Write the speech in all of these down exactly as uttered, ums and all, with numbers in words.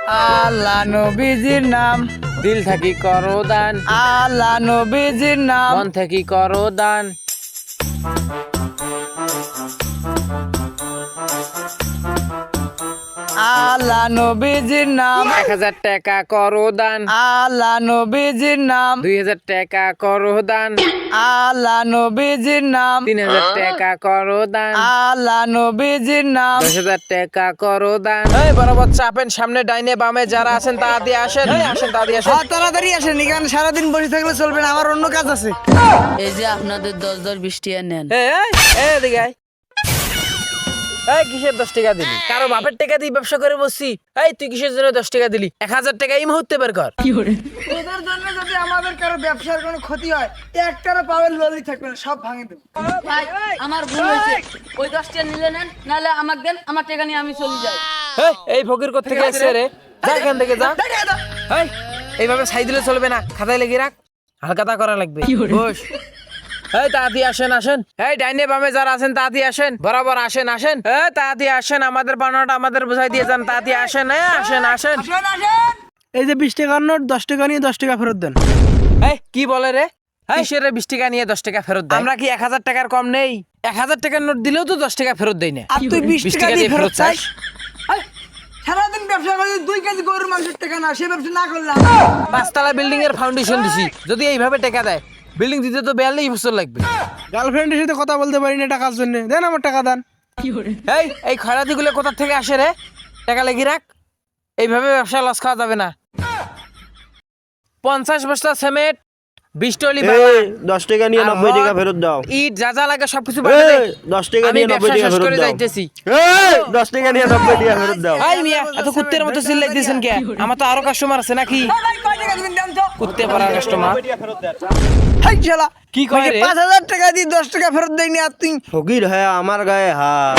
আল্লাহ নবীজির নাম, দিল থাকি করো দান, আল্লাহ নবীজির নাম, মন থাকি করো দান। আল্লাহ নবীজির নাম, এক হাজার টাকা করো দান, আল্লাহ নবীজির নাম, দুই হাজার টাকা করো দান, আল্লাহ নবীজির নাম, তিন হাজার টাকা করো দান, আল্লাহ নবীজির নাম। দশ হাজার টাকা করো দান। এই বরাবর চাপেন, সামনে ডাইনে বামে যারা আছেন তা দিয়ে আসেন। এই আসেন, তা দিয়ে আসেন। হ্যাঁ, তাড়াতাড়ি আসেন, এখানে সারাদিন বসে থাকলে চলবে না, আমার অন্য কাজ আছে। এই যে আপনাদের দশ দশ বিশ টাকা নেন। এই, এই, এই এদিকে আয়। এই কিসের দশ টাকা দিলি? কারো বাপের টাকা দিয়ে ব্যবসা করে বসছি। এই তুই কিসের জন্য দশ টাকা দিলি? এক হাজার টাকা এই মুহূর্তে বের কর। তোদের জন্য যদি আমাদের কারো ব্যবসার কোনো ক্ষতি হয়, একটারও পাবেন ললি থাকবে না, সব ভাঙে দেবো। ভাই আমার ভুল হয়েছে, ওই দশ টাকা নিলে নেন, নাহলে আমাকে দেন, আমার টাকা নিয়ে আমি চলে যাই। এই, এই ফকির কোত্থেকে আসছে রে? যা এখান থেকে যা। এই, এইভাবে ছাই দিলে চলবে না, খাতায় লেগে রাখ, হালকাতা করা লাগবে। বস। এই তাড়াতাড়ি আসেন, আসেন। এই ডাইনে বামে যারা আছেন তাড়াতাড়ি আসেন, বরাবর আসেন, আসেন। এই তাড়াতাড়ি আসেন, আমাদের বানানোটা আমাদের বুঝাই দিয়ে যান। তাড়াতাড়ি আসেন, এই আসেন, আসেন। এই যে বিশ টাকার নোট, দশ টাকা নিয়ে দশ টাকা ফেরত দেন। এই কি বলে রে? কিসের রে বিশ টাকা নিয়ে দশ টাকা ফেরত দেয়? আমরা কি এক হাজার টাকার কম নেই? এক হাজার টাকার নোট দিলেও তো দশ টাকা ফেরত দেয় না। আর তুই বিশ বিশ টাকা দিয়ে ফেরত চাস? চাস? এই, সারাদিন ব্যবসা করে দুই কেজি গরুর মাংসের টাকা না, সে ব্যবসা না করলাম। পাঁচতলা বিল্ডিং এর ফাউন্ডেশন দিছি, যদি এইভাবে টাকা দেয় বিল্ডিং দিতে তো বিয়াল্লিশ বছর লাগবে। গার্লফ্রেন্ডের সাথে কথা বলতে পারি না টাকার জন্য, দেন আমার টাকা দেন। এই এই খয়রাতি গুলো কোথা থেকে আসে রে? টাকা লেগে রাখ, এইভাবে ব্যবসা লস খাওয়া যাবে না। পঞ্চাশ বস্তা সিমেন্ট, বিশ টলি বালা, এই, দশ টাকা নিয়ে আর নব্বই টাকা রড, ফেরত দাও। ইট যা যা লাগে সবকিছু বাড়িয়ে দে। এই, দশ টাকা আমি নিয়ে নব্বই ব্যবসা টাকা শেষ ফেরত করে দাও। যাইতেছি। এই, দশ টাকা নিয়ে নব্বই টাকা ফেরত দাও। এই মিয়া, এত কুত্তের মতো চিল্লাই দিয়েছেন কে? আমার তো আরো কাস্টমার আছে নাকি? কুত্তে পাড়া কাস্টমার। হাই শালা, কি কয় রে? পাঁচ হাজার টাকা দিয়ে দশ টাকা ফেরত দেয়নি, আর তুই ফকির হ্যাঁ আমার গায়ে হাত।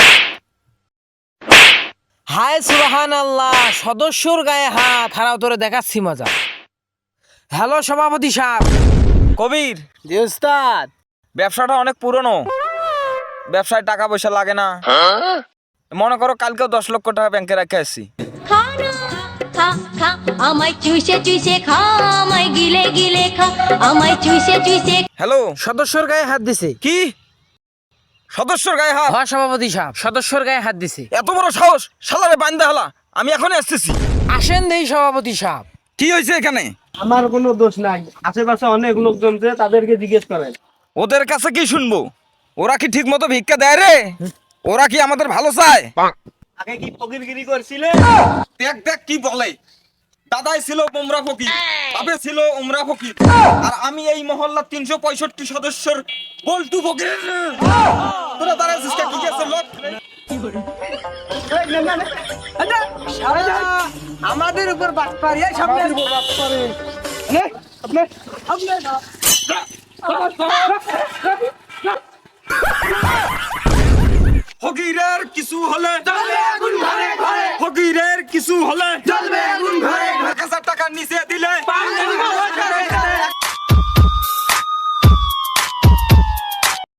হায় সুবহান আল্লাহ, সদস্যর গায়ে হাত। হারাও তোরে দেখাচ্ছি মজা। হ্যালো সভাপতি সাহেব। কবির, জি উস্তাদ। ব্যবসাটা অনেক পুরনো, ব্যবসায় টাকা পয়সা লাগে না। মনে করো কালকেও দশ লক্ষ টাকা ব্যাংকে রেখে আসছি। খা না, খা খা আমায় চুষে চুষে খা, আমায় গিলে গিলে খা, আমায় চুষে চুষে। হ্যালো, সদস্যর গায়ে হাত দিছে। কি সদস্যর গায়ে হাত? হ্যাঁ সভাপতি সাহেব, সদস্যর গায়ে হাত দিছে। এত বড় সাহস! শালারে বান্দা হালা, আমি এখনই আসতেছি। আসেন দেই সভাপতি সাহেব। কি হয়েছে এখানে? আমার কোনো দোষ নাই, আশেপাশে অনেক লোকজন আছে, তাদেরকে জিজ্ঞেস করেন। ওদের কাছে কি শুনবো? ওরা কি ঠিক মতো ভিক্ষা দেয় রে? ওরা কি আমাদের ভালো চায়? আগে কি ফকিরগিরি করছিলে? দেখ দেখ কি বলে। দাদাই ছিল উমরা ফকির, বাপে ছিল উমরা ফকির, আর আমি এই মহল্লার তিনশো পঁয়ষট্টি সদস্যর বল্টু ফকির। তোরা দাঁড়াচ্ছিস কে? কি আছে লোক? আমাদের উপর বাট পারি, এই সামনে ফকিরের কিছু হলে ফকিরের কিছু হলে এক হাজার টাকার নিচে দিলে